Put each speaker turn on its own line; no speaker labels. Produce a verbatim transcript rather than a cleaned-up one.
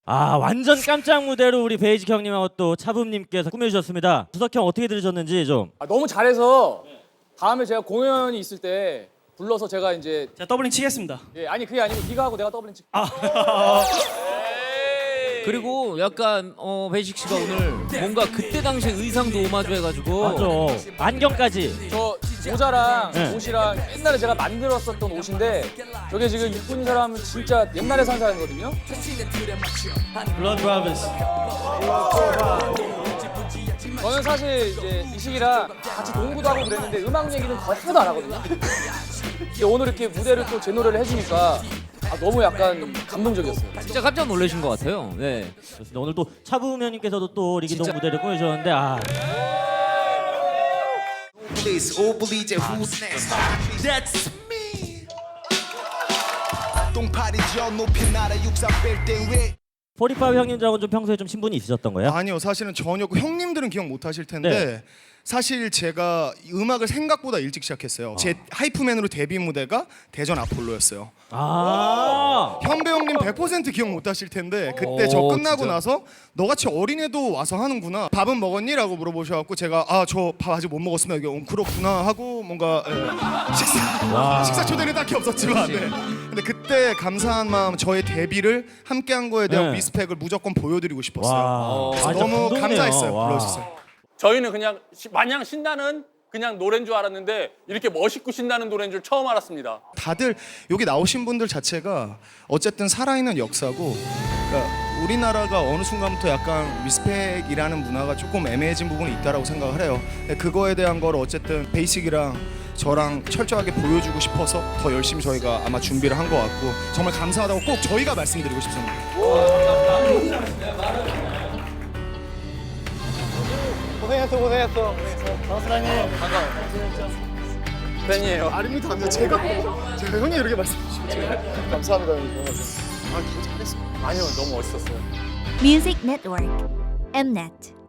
아 완전 깜짝 무대로 우리 베이직 형님하고 또 차붐님께서 꾸며주셨습니다. 주석 형 어떻게 들으셨는지 좀.
아, 너무 잘해서 다음에 제가 공연이 있을 때 불러서 제가 이제
제가 더블링 치겠습니다.
예, 아니 그게 아니고 네가 하고 내가 더블링 치.
아.
그리고 약간 어 베이식 씨가 오늘 뭔가 그때 당시 의상도 오마주 해가지고
맞아. 안경까지.
저 모자랑
네.
옷이랑 옛날에 제가 만들었었던 옷인데 저게 지금 입고 있는 사람은 진짜 옛날에 산 사람이거든요.
블러드 브라더스.
저는 사실 이제 이식이랑 같이 농구도 하고 그랬는데 음악 얘기는 거의 하나도 안 하거든요. 근데 오늘 이렇게 무대를 또 제 노래를 해주니까 아, 너무 약간 감동적이었어요.
진짜 깜짝 놀라신 것 같아요. 네.
좋습니다. 오늘 또 차붐 형님께서도 또 리기동 무대를 꾸며주셨는데 아.
Please, all believe it. Who's next? That's me. 똥파리죠 높이 날아 육삼 뺄때 왜?
포리파이브 형님들하고는 좀 평소에 좀 친분이 있으셨던 거예요?
아니요, 사실은 전혀. 그 형님들은 기억 못 하실 텐데
네.
사실 제가 음악을 생각보다 일찍 시작했어요. 제 하이프맨으로 데뷔 무대가 대전 아폴로였어요.
아.
현배 형님 백 퍼센트 기억 못 하실 텐데 그때 저
오,
끝나고
진짜?
나서 너같이 어린애도 와서 하는구나. 밥은 먹었니? 라고 물어보셔갖고 제가 아 저 밥 아직 못 먹었습니다. 이게 어, 그렇구나 하고 뭔가 예, 식사 식사 초대는 딱히 없었지만 네. 근데 그때 감사한 마음 저의 데뷔를 함께한 거에 대한
네.
리스펙을 무조건 보여드리고 싶었어요.
와.
그래서
아, 진짜
너무
감동이네요.
감사했어요.
와.
불러주셨어요.
저희는 그냥 시- 마냥 신나는 그냥 노래인 줄 알았는데 이렇게 멋있고 신나는 노래인 줄 처음 알았습니다.
다들 여기 나오신 분들 자체가 어쨌든 살아있는 역사고 그러니까 우리나라가 어느 순간부터 약간 리스펙이라는 문화가 조금 애매해진 부분이 있다라고 생각을 해요. 근데 그거에 대한 걸 어쨌든 베이식이랑 저랑 철저하게 보여주고 싶어서 더 열심히 저희가 아마 준비를 한 것 같고 정말 감사하다고 꼭 저희가 말씀드리고 싶습니다.
고생했어, 고생했어.
팬이에요.
아닙니다. 아닙니다. 제가 제가 형님 이렇게 말씀해 주시면 감사합니다. 형님. 아, 더 잘했어.
아니요, 너무 멋있었어요.
Music Network, Mnet.